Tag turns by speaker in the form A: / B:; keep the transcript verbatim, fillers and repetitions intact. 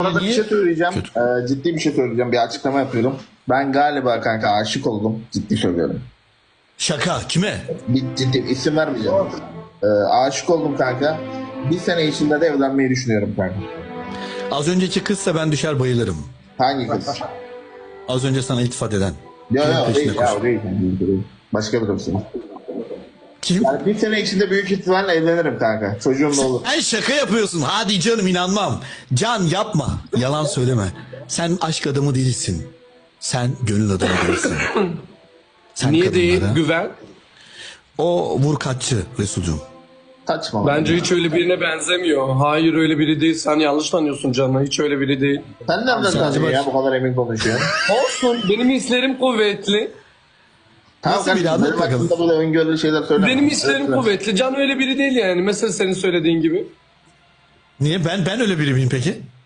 A: Sana da bir şey söyleyeceğim. Ee, ciddi bir şey söyleyeceğim. Bir açıklama yapıyorum. Ben galiba kanka aşık oldum. Ciddi söylüyorum.
B: Şaka kime?
A: Bir ciddi isim vermeyeceğim. Ee, aşık oldum kanka. Bir sene içinde de evlenmeyi düşünüyorum kanka.
B: Az önceki kızsa ben düşer bayılırım.
A: Hangi kız?
B: Az önce sana iltifat eden.
A: Yok
B: Kimin
A: yok
B: peşinde
A: değil ya
B: koşuyor?
A: o değil. değil. Başka bir kız.
B: Kim?
A: Yani bir sene içinde büyük ihtimalle evlenirim kanka. Çocuğum da olur.
B: Sen şaka yapıyorsun. Hadi canım inanmam. Can yapma. Yalan söyleme. Sen aşk adamı değilsin. Sen gönül adamı değilsin. Sen
C: Niye değil?
B: kadınlara-
C: Güven.
B: O vurkaççı Resulcuğum.
A: Saçma.
C: Bence hiç öyle birine benzemiyor. Hayır öyle biri değil. Sen yanlış tanıyorsun Can'ı. Hiç öyle biri değil.
A: Sen nereden
B: Sen
A: tanıyorsun
B: acaba-
A: ya bu kadar emin konuşuyorsun?
C: Olsun. Benim hislerim kuvvetli.
A: Tamam
B: Nasıl biri?
A: kardeşim,
B: Anlat
A: benim
B: bakalım.
A: hakkında böyle öngörülü şeyler söyleme.
C: Benim hislerim
A: Evet,
C: kuvvetli. Can öyle biri değil yani. Mesela senin söylediğin gibi.
B: Niye? Ben ben öyle biri miyim peki?